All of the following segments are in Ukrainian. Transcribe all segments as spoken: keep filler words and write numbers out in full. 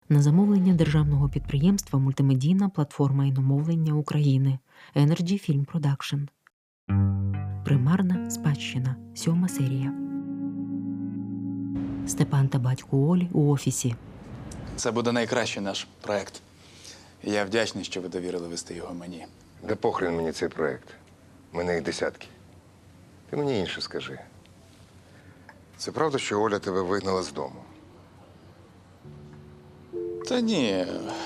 На замовлення державного підприємства «Мультимедійна платформа іномовлення України» Energy Film Production. Примарна спадщина. Сьома серія. Степан та батько Олі у офісі. Це буде найкращий наш проект. І я вдячний, що ви довірили вести його мені. Да похрен мені цей проект. У мене їх десятки. Ти мені інше скажи. Це правда, що Оля тебе вигнала з дому? Та ні.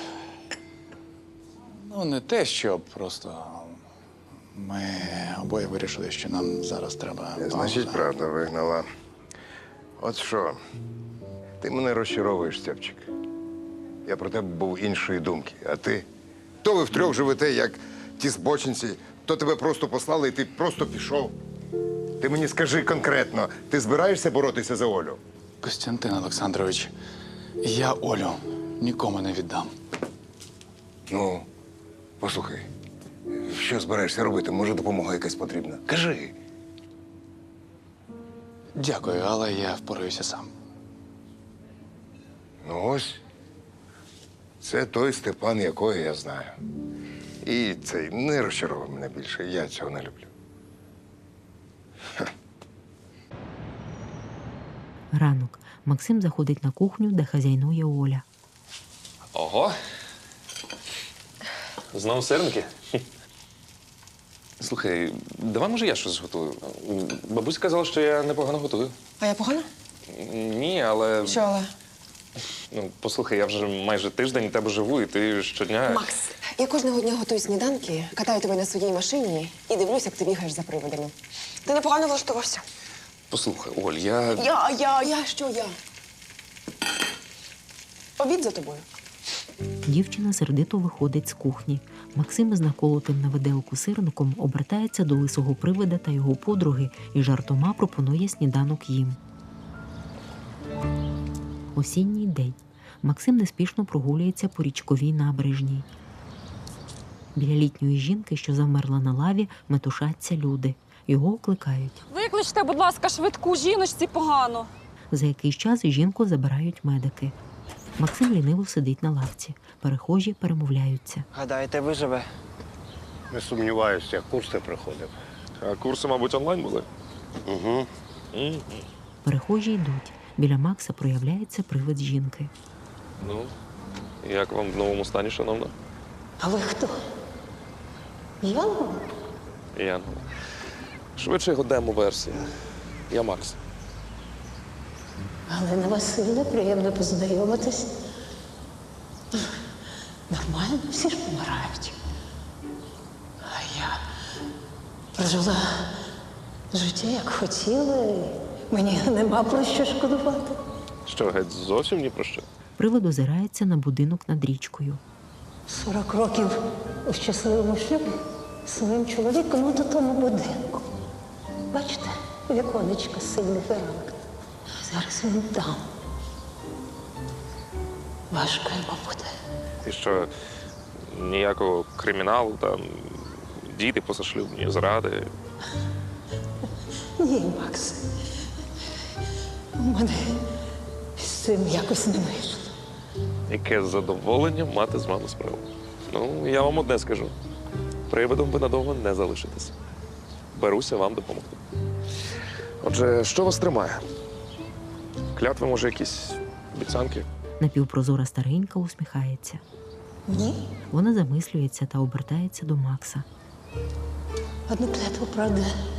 Ну, не те, що просто ми обоє вирішили, що нам зараз треба. Значить, пауза. правда вигнала. От що, ти мене розчаровуєш, Степчик. Я про тебе був іншої думки, а ти? То ви втрьох живете, як ті збочинці, то тебе просто послали і ти просто пішов. Ти мені скажи конкретно, ти збираєшся боротися за Олю? Костянтин Олександрович, я Олю нікому не віддам. Ну, послухай, що збираєшся робити? Може, допомога якась потрібна? Кажи. Дякую, але я впораюся сам. Ну ось, це той Степан, якого я знаю. І цей не розчаровує мене більше, я цього не люблю. Ха. Ранок. Максим заходить на кухню, де хазяйнує Оля. Ого. Знову сирники? Слухай, давай, може, я щось зготую. Бабуся казала, що я непогано готую. А я погано? Ні, але... Що, але? Ну, послухай, я вже майже тиждень у тебе живу, і ти щодня... Макс, я кожного дня готую сніданки, катаю тебе на своїй машині і дивлюсь, як ти бігаєш за приводами. Ти непогано влаштувався. Послухай, Оль, я... Я, я, я, що я? Обід за тобою. Дівчина сердито виходить з кухні. Максим із наколотим на виделку сирником обертається до лисого привида та його подруги і жартома пропонує сніданок їм. Осінній день. Максим неспішно прогулюється по річковій набережній. Біля літньої жінки, що завмерла на лаві, метушаться люди. Його окликають. Викличте, будь ласка, швидку, жіночці погано. За якийсь час жінку забирають медики. Максим ліниво сидить на лавці. Перехожі перемовляються. Гадаєте, виживе? Не сумніваюся, курси приходив. А курси, мабуть, онлайн були? Угу. Перехожі йдуть. Біля Макса проявляється привид жінки. Ну, як вам в новому стані, шановна? А ви хто? Янгол? Янгол. Швидше його демо-версія. Я Макс. Галина Васильівна, приємно познайомитись. Нормально, всі ж помирають. А я прожила життя, як хотіла, і мені нема про що шкодувати. Що, геть зовсім ні про що? Привид озирається на будинок над річкою. Сорок років у щасливому шлюбі з своїм чоловіком от у тому будинку. Бачите, віконечко сильний фермак. Зараз він там. Важко йому буде. І що, ніякого криміналу, там, діти позашлюбні, зради. Ні, Макс. У мене з цим якось не вийшло. Яке задоволення мати з вами справу. Ну, я вам одне скажу. Привидом ви надовго не залишитесь. Беруся вам допомогти. Отже, що вас тримає? Клятви, може, якісь обіцянки? Напівпрозора старенька усміхається. Ні? Вона замислюється та обертається до Макса. Одну клятву, правда.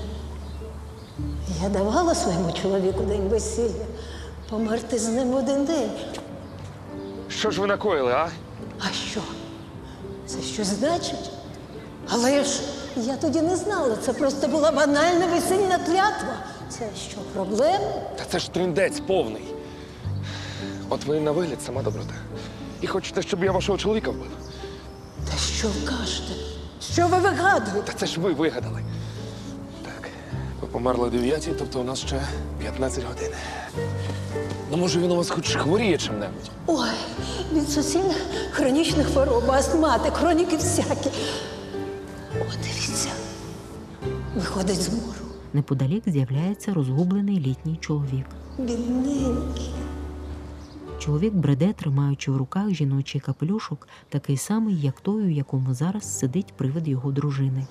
Я давала своєму чоловіку день весілля померти з ним в один день. Що ж ви накоїли, а? А що? Це щось значить? Але ж я тоді не знала. Це просто була банальна весільна клятва. Це що, проблема? Та це ж трындець повний. От ви на вигляд сама доброта. І хочете, щоб я вашого чоловіка вбив? Та що ви кажете? Що ви вигадуєте? Та це ж ви вигадали. Так, ви померли о дев'ятій, тобто у нас ще п'ятнадцять годин. Ну, може, він у вас хоч хворіє чим-небудь? Ой, від суцільних хронічних хвороб, астмати, хроніки всякі. О, дивіться, виходить з мору. Неподалік з'являється розгублений літній чоловік. Бідненький. Чоловік бреде, тримаючи в руках жіночий капелюшок, такий самий, як той, у якому зараз сидить привид його дружини.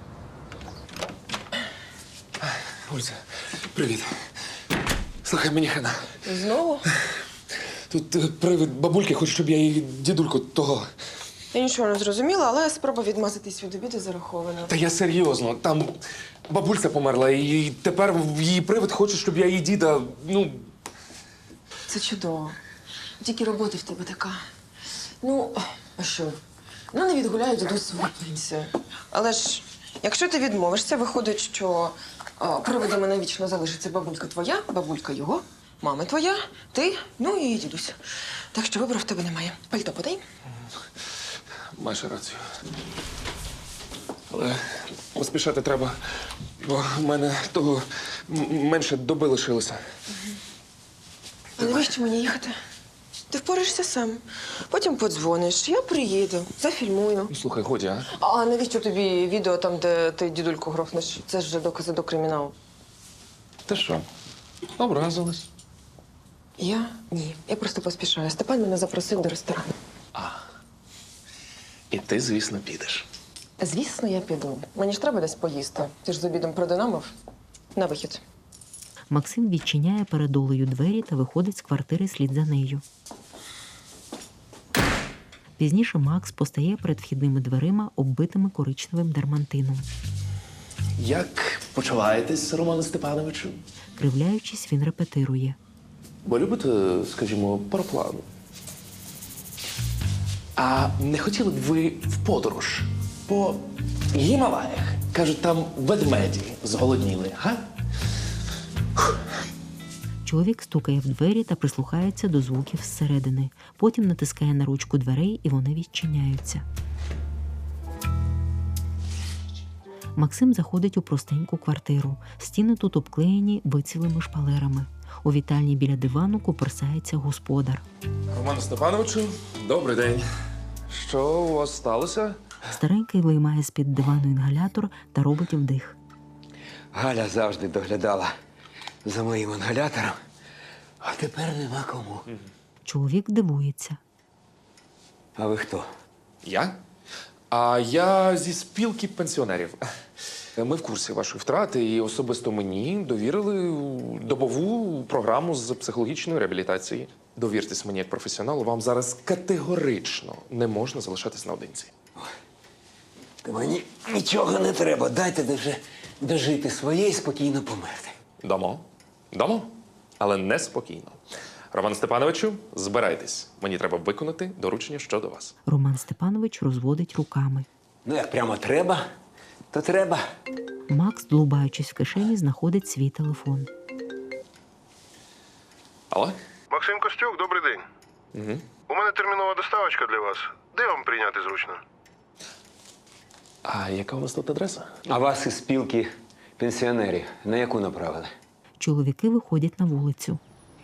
Ольця, привіт. Слухай, мені хана. Знову? Тут е, привид бабульки хоче, щоб я її дідульку того. Я нічого не зрозуміла, але спроба відмазатись від обіду зарахована. Та я серйозно, там бабульця померла, і тепер її привид хоче, щоб я її діда, ну. Це чудово. Тільки роботи в тебе така. Ну, а що? Ну, не відгуляють дідусь свою пенсію. Але ж, якщо ти відмовишся, виходить, що а, привидами навічно залишиться бабулька твоя, бабулька його, мама твоя, ти, ну і дідусь. Так що вибору в тебе немає. Пальто подай. Маєш рацію. Але поспішати треба, бо в мене того м- менше доби лишилося. А навіщо мені їхати? Ти впораєшся сам. Потім подзвониш, я приїду, зафільмую. Ну, слухай, годі, а? А навіщо тобі відео там, де ти дідульку грохнеш? Це ж вже докази до криміналу. Ти що? Образилась. Я? Ні. Я просто поспішаю. Степан мене запросив до ресторану. І ти, звісно, підеш. Звісно, я піду. Мені ж треба десь поїсти. Ти ж з обідом продинамив. На вихід. Максим відчиняє перед Олею двері та виходить з квартири слід за нею. Пізніше Макс постає перед вхідними дверима, оббитими коричневим дермантином. Як почуваєтесь, Романе Степановичу? Кривляючись, він репетирує. Бо любите, скажімо, пароплану? А не хотіли б ви в подорож по Гімалаях? Кажуть, там ведмеді зголодніли, га? Чоловік стукає в двері та прислухається до звуків зсередини. Потім натискає на ручку дверей, і вони відчиняються. Максим заходить у простеньку квартиру. Стіни тут обклеєні вицілими шпалерами. У вітальні біля дивану куперсається господар. Романе Степановичу, добрий день. Що у вас сталося? Старенький виймає з-під дивану інгалятор та робить вдих. Галя завжди доглядала за моїм інгалятором, а тепер нема кому. Чоловік дивується. А ви хто? Я? А я зі спілки пенсіонерів. Ми в курсі вашої втрати, і особисто мені довірили добову програму з психологічної реабілітації. Довіртесь мені як професіоналу, вам зараз категорично не можна залишатись наодинці. Та мені нічого не треба. Дайте де вже дожити своє і спокійно померти. Дамо. Дамо. Але неспокійно. Роман Степановичу, збирайтесь. Мені треба виконати доручення щодо вас. Роман Степанович розводить руками. Ну, як прямо треба, то треба. Макс, длубаючись в кишені, знаходить свій телефон. Алло? Максим Костюк, добрий день. Угу. У мене термінова доставочка для вас. Де вам прийняти зручно? А яка у вас тут адреса? А вас із спілки пенсіонерів на яку направили? Чоловіки виходять на вулицю.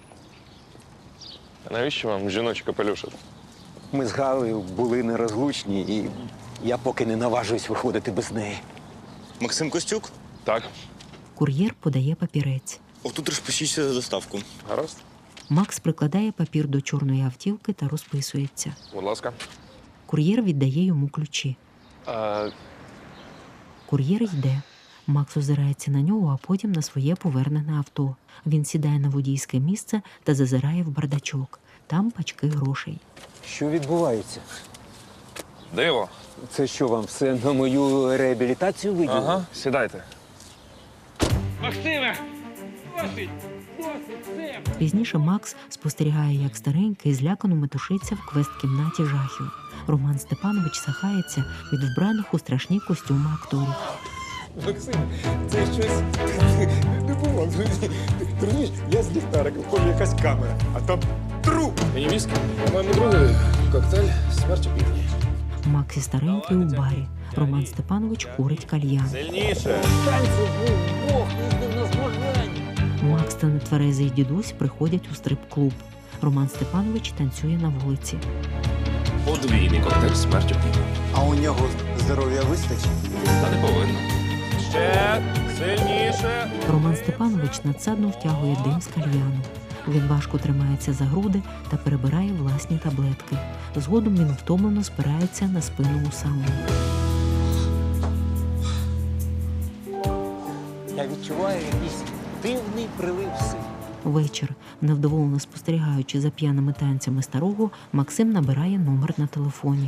А навіщо вам жіночий капелюшок? Ми з Галею були нерозлучні, і я поки не наважуюсь виходити без неї. Максим Костюк? Так. Кур'єр подає папірець. Отут розпишіться за доставку. Гаразд. Макс прикладає папір до чорної автівки та розписується. Будь ласка. Кур'єр віддає йому ключі. А... Кур'єр йде. Макс озирається на нього, а потім на своє повернене авто. Він сідає на водійське місце та зазирає в бардачок. Там пачки грошей. Що відбувається? Диво. Це що, вам все на мою реабілітацію виділили? Ага, сідайте. Максиме! Досить! Досить! Все! Пізніше Макс спостерігає, як старенький злякано метушиться в квест-кімнаті жахів. Роман Степанович сахається від вбраних у страшні костюми акторів. Максим, це щось не було. Ти розумієш, я з ліхтариком, хоч якась камера, а там труп. Мені віскі. По-моєму, другий коктейль «Смерть у півдні». Макс і старенький у барі. Роман Степанович курить кальян. Сильніше. Макс та нетверезий дідусь приходять у стрип-клуб. Роман Степанович танцює на вулиці. Подвійний коктейль «Смерть у півдні». А у нього здоров'я вистачить? Та не повинно. Ще сильніше. Роман Степанович надсадно втягує дим з кальяну. Він важко тримається за груди та перебирає власні таблетки. Згодом він втомлено спирається на спину Усами. Я відчуваю якийсь дивний прилив сил. Вечір. Невдоволено спостерігаючи за п'яними танцями старого, Максим набирає номер на телефоні.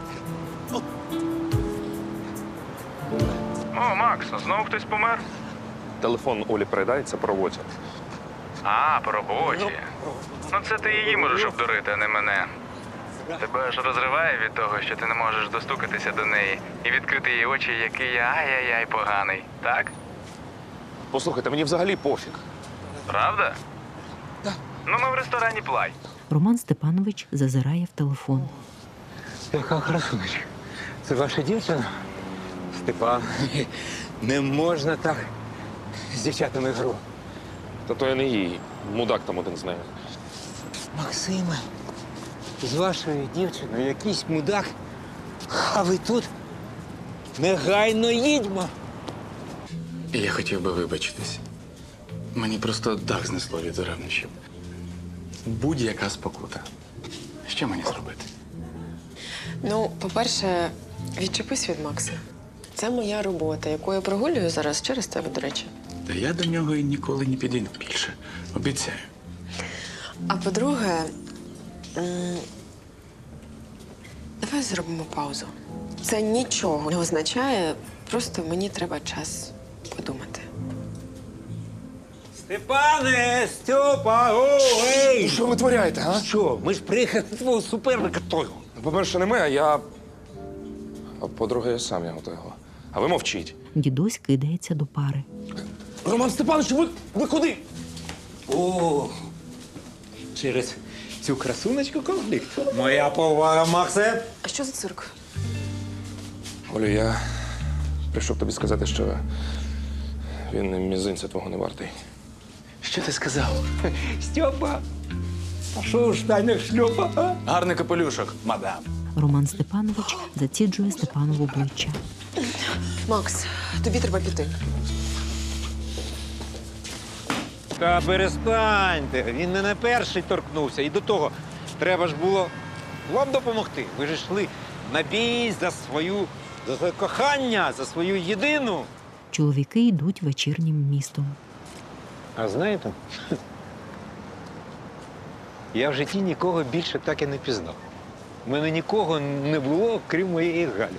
О, Макс, знову хтось помер? Телефон Олі передається по роботі. А, по роботі. Ну це ти її можеш обдурити, а не мене. Тебе ж розриває від того, що ти не можеш достукатися до неї і відкрити їй очі, який я ай-яй-яй поганий, так? Послухайте, мені взагалі пофіг. Правда? Так. Ну ми в ресторані Плай. Роман Степанович зазирає в телефон. Яка красунечка. Це ваша дівчина? Степан, не можна так з дівчатами гру. Та то я не її. Мудак там один з нею. Максиме, з вашою дівчиною якийсь мудак, а ви тут? Негайно їдьмо. Я хотів би вибачитись. Мені просто дах знесло від ревнощів. Будь-яка спокута. Що мені зробити? Ну, по-перше, відчепись від Макса. Це моя робота, яку я прогулюю зараз через тебе, до речі. Та я до нього і ніколи не підійду більше. Обіцяю. А по-друге, м, давай зробимо паузу. Це нічого не означає, просто мені треба час подумати. Степане, Степа, о, ей! Що ви творяєте, а? Що? Ми ж приїхали до твого суперника того. По-перше, не ми, а я. А по-друге, я сам його того. А ви мовчіть. Дідусь кидається до пари. Роман Степанович, ви, ви куди? О, через цю красуночку конфлікт. Моя повага, Максе. А що за цирк? Олю, я прийшов тобі сказати, що він і мізинця твого не вартий. Що ти сказав? Степа, а що в штанях шльопа, а? Гарний капелюшок, мадам. Роман Степанович заціджує Степану в обличчя. Макс, тобі треба піти. Та перестаньте, він не на перший торкнувся. І до того, треба ж було вам допомогти. Ви ж йшли на бій за свою, за своє кохання, за свою єдину. Чоловіки йдуть вечірнім містом. А знаєте, я в житті нікого більше так і не пізнав. У мене нікого не було, крім моєї Галі.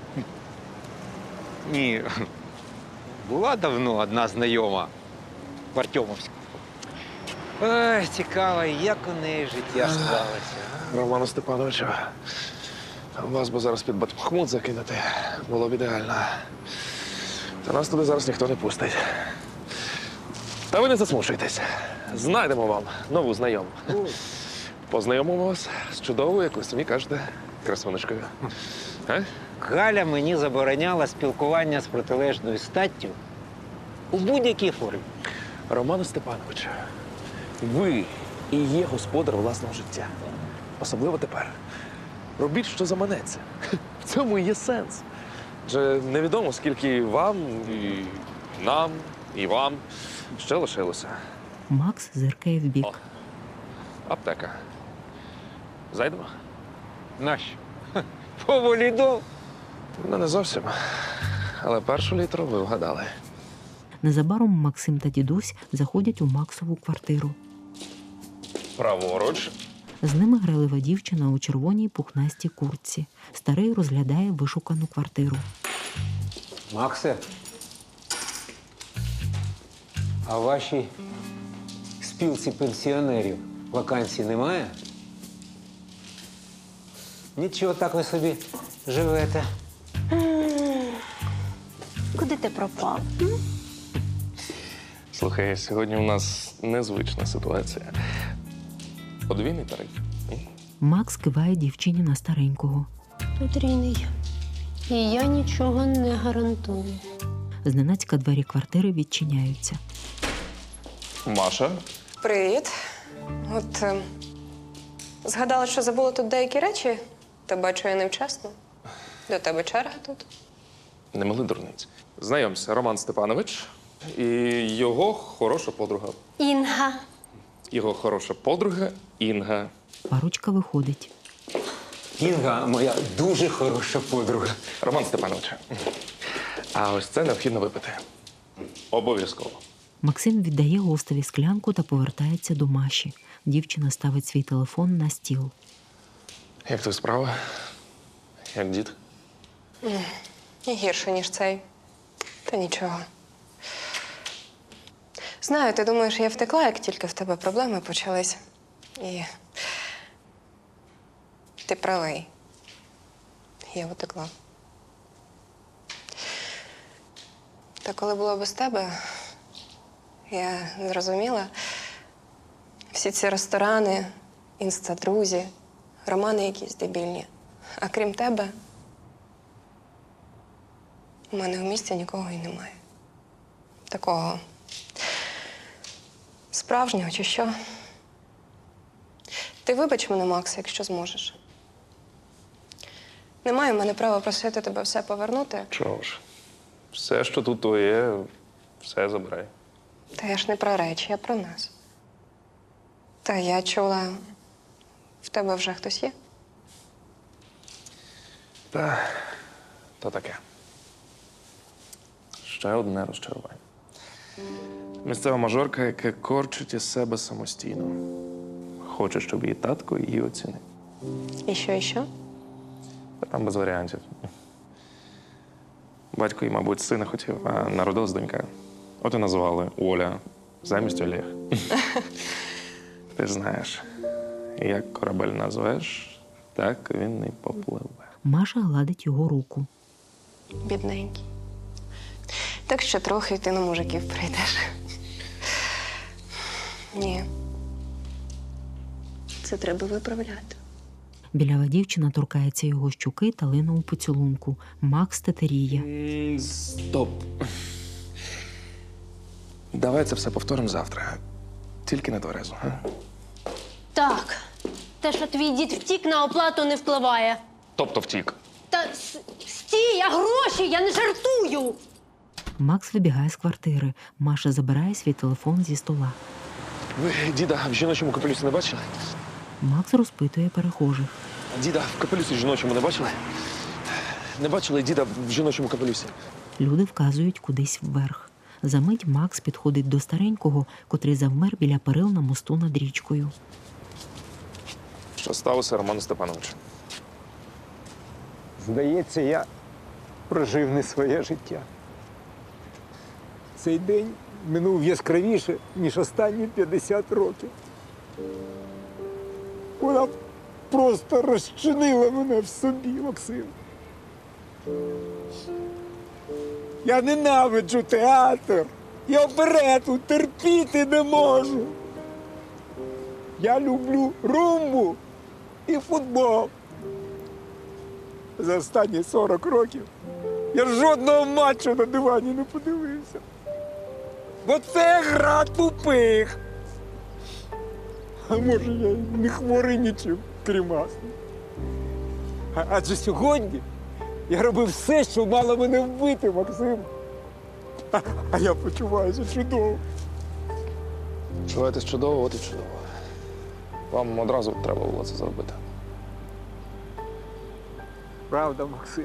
Ні, була давно одна знайома в Артемовську. Ой, цікаво, як у неї життя склалося. Роману Степановичу, вас би зараз під Батмахмут закинути було б ідеально. Та нас туди зараз ніхто не пустить. Та ви не засмушуйтесь. Знайдемо вам нову знайому. Познайомимо вас з чудовою, як ви самі кажете, красунечкою. А? Галя мені забороняла спілкування з протилежною статтю у будь-якій формі. Роману Степановичу, ви і є господар власного життя. Особливо тепер. Робіть, що заманеться. В цьому і є сенс. Адже невідомо, скільки вам, і нам, і вам ще лишилося. Макс зиркає вбік. О, аптека. Зайдемо? Нащо? Ха, поволі до. Ну, не зовсім. Але першу літру ви вгадали. Незабаром Максим та дідусь заходять у Максову квартиру. Праворуч. З ними грайлива дівчина у червоній пухнастій куртці. Старий розглядає вишукану квартиру. Максе, а в вашій спілці пенсіонерів вакансій немає? Нічого, так ви собі живете. Куди ти пропав? Слухай, сьогодні у нас незвична ситуація. Подвійний тариф. Макс киває дівчині на старенького. Потрійний. І я нічого не гарантую. Зненацька двері квартири відчиняються. Маша? Привіт. От е, згадала, що забула тут деякі речі, та бачу я невчасно. До тебе черга тут. Не мали дурниць. Знайомся, Роман Степанович і його хороша подруга. Інга. його хороша подруга Інга. Парочка виходить. Інга моя дуже хороша подруга. Роман Степанович, а ось це необхідно випити. Обов'язково. Максим віддає гостеві склянку та повертається до Маші. Дівчина ставить свій телефон на стіл. Як твої справи? Як дід? І гірше, ніж цей. Та нічого. Знаю, ти думаєш, я втекла, як тільки в тебе проблеми почались. І ти правий. Я утекла. Та коли було без тебе, я зрозуміла, всі ці ресторани, інстадрузі, романи якісь дебільні. А крім тебе, у мене в місті нікого і немає. Такого справжнього чи що. Ти вибач мене, Макс, якщо зможеш. Немає в мене права просити тебе все повернути. Чого ж? Все, що тут твоє, все забирай. Та я ж не про речі, я про нас. Та я чула, в тебе вже хтось є? Та, то таке. Ще одне розчарування. Місцева мажорка, яка корчить із себе самостійно. Хоче, щоб її татко її оцінив. І що, і що? Та там без варіантів. Батько їй, мабуть, сина хотів, а народилась донька. От і назвали Оля замість Олег. Ти ж знаєш, як корабель назвеш, так він і попливе. Маша гладить його руку. Бідненький. Так що трохи ти на мужиків прийдеш. Ні. Це треба виправляти. Білява дівчина торкається його щуки та лине у поцілунку. Макс тетеріє. Стоп. Давай це все повторимо завтра. Тільки не тверезо, а? Так. Те, що твій дід втік, на оплату не впливає. Тобто втік. Та с- стій, я гроші, я не жартую. Макс вибігає з квартири. Маша забирає свій телефон зі стола. Ви діда в жіночому капелюсі не бачили? Макс розпитує перехожих. Діда в капелюсі жіночому не бачили? Не бачили діда в жіночому капелюсі? Люди вказують кудись вверх. Замить Макс підходить до старенького, котрий завмер біля перил на мосту над річкою. Що сталося, Роман Степанович? Здається, я прожив не своє життя. Цей день минув яскравіше, ніж останні п'ятдесят років. Вона просто розчинила мене в собі, Максим. Я ненавиджу театр і оперету, терпіти не можу. Я люблю румбу і футбол. За останні сорок років я жодного матчу на дивані не подивився. Бо це гра тупих. А може, я й не хворий нічим, крім астми. А, адже сьогодні я робив все, що мало мене вбити, Максим. А, а я почуваюся чудово. Почуваєтесь чудово, от і чудово. Вам одразу треба було це зробити. Правда, Максим.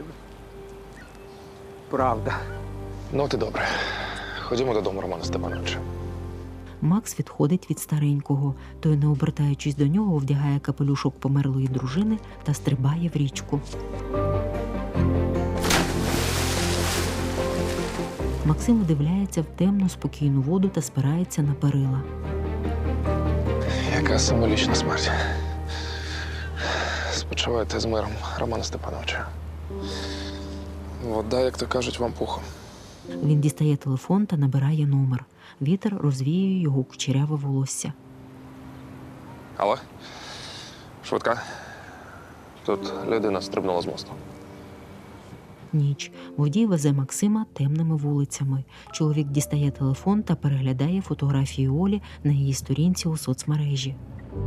Правда. Ну, от і добре. Ходімо додому, Романа Степановича. Макс відходить від старенького. Той, не обертаючись до нього, вдягає капелюшок померлої дружини та стрибає в річку. Максим вдивляється в темну, спокійну воду та спирається на перила. Яка символічна смерть. Спочивайте з миром, Романа Степановича. Вода, як то кажуть, вам пухом. Він дістає телефон та набирає номер. Вітер розвіює його кучеряве волосся. Алло? Швидка? Тут людина стрибнула з мосту. Ніч. Водій везе Максима темними вулицями. Чоловік дістає телефон та переглядає фотографії Олі на її сторінці у соцмережі.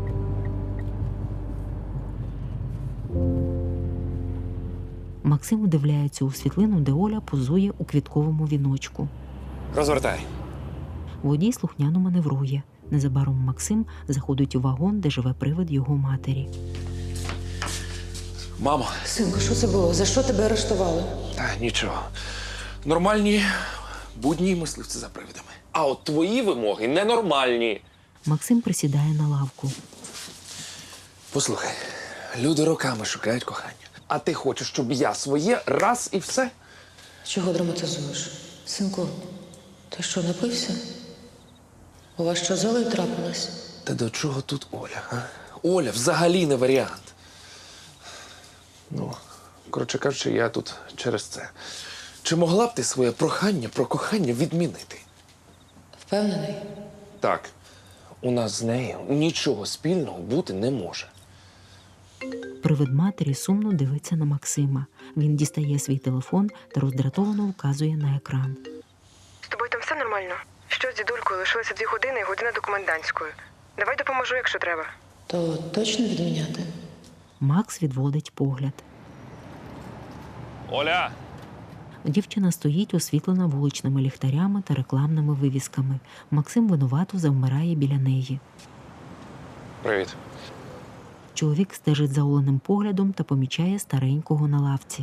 Максим вдивляється у світлину, де Оля позує у квітковому віночку. Розвертай. Водій слухняно маневрує. Незабаром Максим заходить у вагон, де живе привид його матері. Мамо. Синку, що це було? За що тебе арештували? Та нічого. Нормальні будні мисливці за привидами. А от твої вимоги ненормальні. Максим присідає на лавку. Послухай, люди роками шукають кохання. А ти хочеш, щоб я своє раз і все? Чого драматизуєш? Синку, ти що, напився? У вас що, золою трапилось? Та до чого тут Оля, а? Оля взагалі не варіант. Ну, коротше кажучи, я тут через це. Чи могла б ти своє прохання про кохання відмінити? Впевнений? Так. У нас з нею нічого спільного бути не може. Привид матері сумно дивиться на Максима. Він дістає свій телефон та роздратовано вказує на екран. З тобою там все нормально? Що з дідулькою? Лишилося дві години і година до комендантської. Давай допоможу, якщо треба. То точно відміняти? Макс відводить погляд. Оля! Дівчина стоїть, освітлена вуличними ліхтарями та рекламними вивісками. Максим винувато завмирає біля неї. Привіт. Чоловік стежить за Оленим поглядом та помічає старенького на лавці.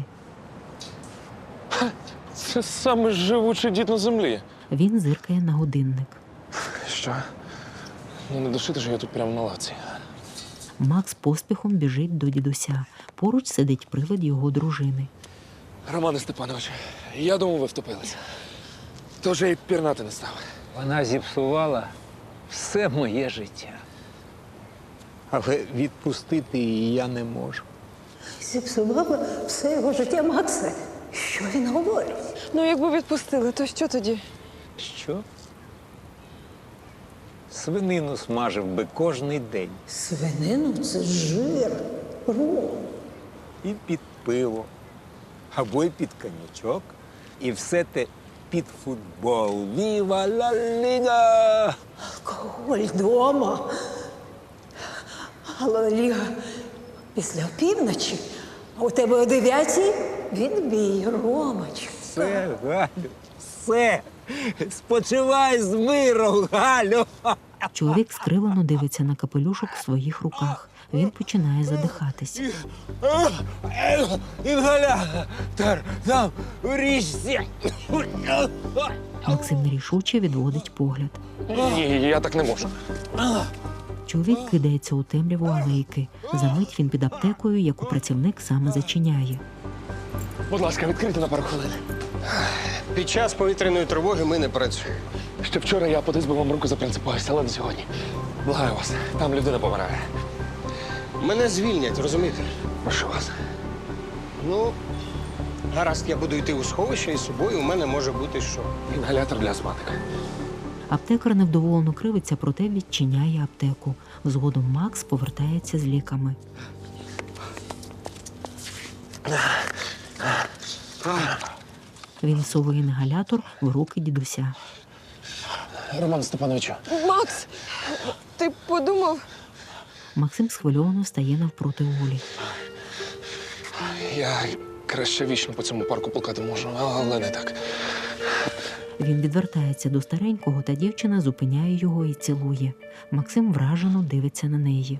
Це саме живучий дід на землі. Він зиркає на годинник. Що? Ну не душити ж я тут прямо на лавці. Макс поспіхом біжить до дідуся. Поруч сидить привид його дружини. Романе Степановичу, я думав, ви втопилися. Тож я й пірнати не став. Вона зіпсувала все моє життя. Але відпустити її я не можу. Зіпсувала все його життя Макса. Що він говорить? Ну, якби відпустили, то що тоді? Що? Свинину смажив би кожний день. Свинину – це жир, ром. І під пиво, або й під коньячок. І все те під футбол. Віва ла ліга! Алкоголь вдома. Але Ліга після опівночі, а у тебе о дев'ятій відбій, Ромочка. Все, Галю, все. Спочивай з миром, Галю. Чоловік скривлено дивиться на капелюшок в своїх руках. Він починає задихатись. Інгалятор там у річці. Максим нерішуче відводить погляд. Ні, я так не можу. Чоловік кидається у темряву алейки. Замить він під аптекою, яку працівник саме зачиняє. Будь ласка, відкрийте на пару хвилин. Під час повітряної тривоги ми не працюємо. Ще вчора я подис би вам руку запринципувався, але не сьогодні. Благаю вас, там людина помирає. Мене звільнять, розумієте? Прошу вас. Ну, гаразд, я буду йти у сховище, і з собою у мене може бути що. Інгалятор для астматика. Аптекар невдоволено кривиться, проте відчиняє аптеку. Згодом Макс повертається з ліками. Він всовує інгалятор в руки дідуся. Роман Степановичу. Макс, ти подумав? Максим схвильовано стає навпроти Олі. Я краще вічно по цьому парку плакати можу, але не так. Він відвертається до старенького, та дівчина зупиняє його і цілує. Максим вражено дивиться на неї.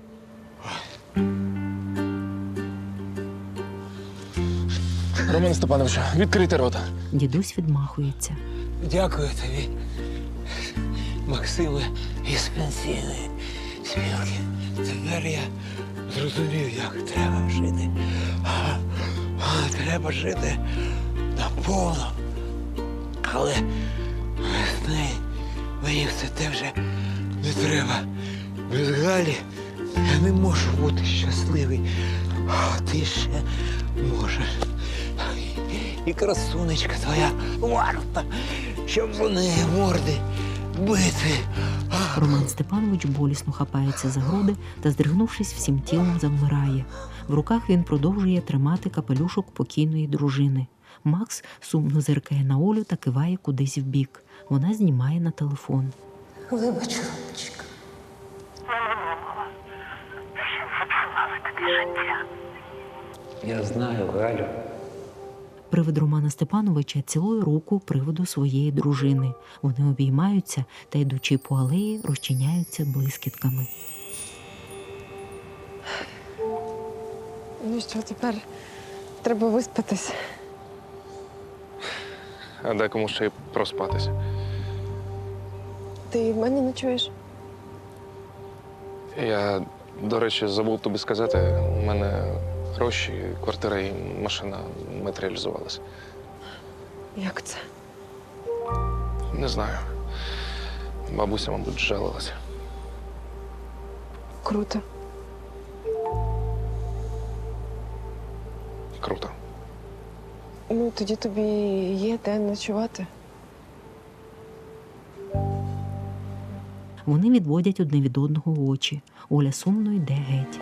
Роман Степановичу, відкрийте рота. Дідусь відмахується. Дякую тобі, Максиме, із пенсійної спілки. Тепер я зрозумів, як треба жити. А, а, треба жити наповно. Але без неї мені все те вже не треба. Без Галі я не можу бути щасливий. А ти ще можеш. І красунечка твоя варта, щоб вони морди бити. Роман Степанович болісно хапається за груди та, здригнувшись всім тілом, завмирає. В руках він продовжує тримати капелюшок покійної дружини. Макс сумно зиркає на Олю та киває кудись вбік. Вона знімає на телефон. Вибач, Ромочка. Я знаю, Галю. Привид Романа Степановича цілує руку приводу своєї дружини. Вони обіймаються та, йдучи по алеї, розчиняються блискітками. Ну що, тепер треба виспатись. А декому ще й проспатися. Ти в мене ночуєш? Я, до речі, забув тобі сказати, у мене гроші, квартира і машина матеріалізувалися. Як це? Не знаю. Бабуся, мабуть, жалилася. Круто. Круто. Ну, тоді тобі є де ночувати. Вони відводять одне від одного очі. Оля сумно йде геть.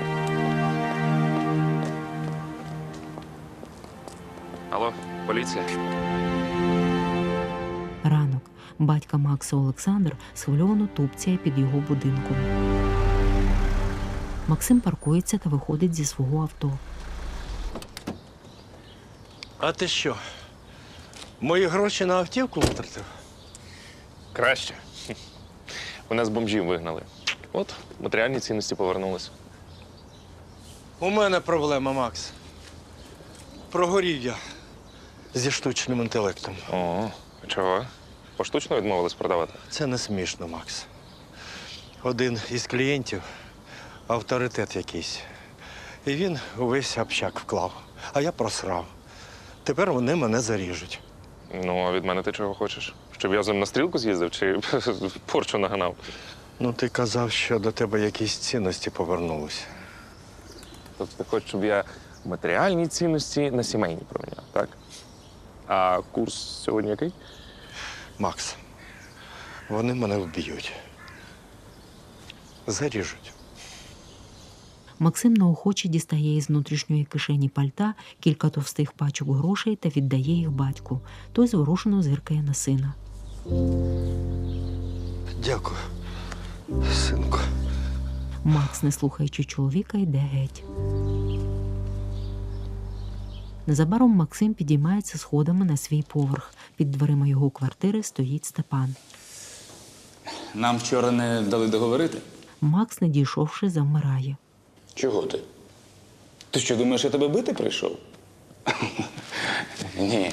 Алло, поліція? Ранок. Батька Макса Олександр схвильовано тупцяє під його будинком. Максим паркується та виходить зі свого авто. А ти що? Мої гроші на автівку витратив? Краще. Мене з бомжів вигнали. От, матеріальні цінності повернулися. У мене проблема, Макс. Прогорів я зі штучним інтелектом. О, чого? Поштучно відмовились продавати? Це не смішно, Макс. Один із клієнтів – авторитет якийсь. І він увесь общак вклав, а я просрав. Тепер вони мене заріжуть. Ну, а від мене ти чого хочеш? Щоб я з ним на стрілку з'їздив чи порчу наганав? Ну, ти казав, що до тебе якісь цінності повернулися. Тобто ти хочеш, щоб я матеріальні цінності на сімейні проміняв, так? А курс сьогодні який? Макс, вони мене вб'ють. Заріжуть. Максим неохоче дістає із внутрішньої кишені пальта кілька товстих пачок грошей та віддає їх батьку. Той зворушено зиркає на сина. Дякую, синку. Макс, не слухаючи чоловіка, йде геть. Незабаром Максим підіймається сходами на свій поверх. Під дверима його квартири стоїть Степан. Нам вчора не дали договорити? Макс, не дійшовши, завмирає. Чого ти? Ти що, думаєш, я тебе бити прийшов? Ні.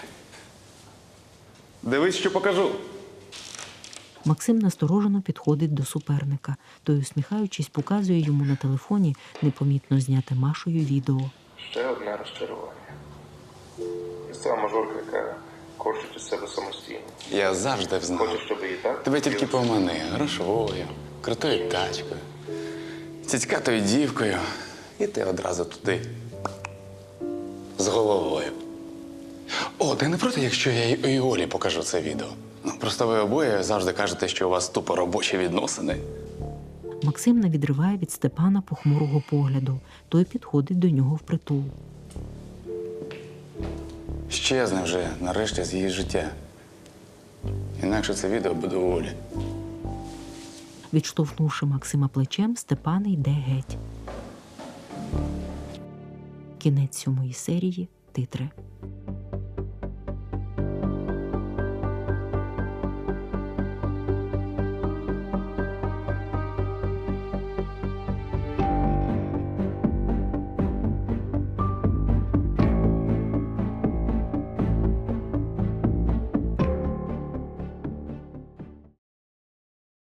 Дивись, що покажу. Максим насторожено підходить до суперника. Той, усміхаючись, показує йому на телефоні непомітно зняте Машою відео. Ще одне розчарування. Місцева мажорка, яка корчить із себе самостійно. Я завжди знав. Хочеш, щоб її так? Тебе тільки помани грошовою, крутою тачкою, цицькатою дівкою. І ти одразу туди. З головою. О, ти не проти, якщо я і Олі покажу це відео? Ну, просто ви обоє завжди кажете, що у вас тупо робочі відносини. Максим не відриває від Степана похмурого погляду. Той підходить до нього впритул. Щезне вже, нарешті, з її життя. Інакше це відео буде у Олі. Відштовхнувши Максима плечем, Степан йде геть. Кінець сьомої серії. Титри.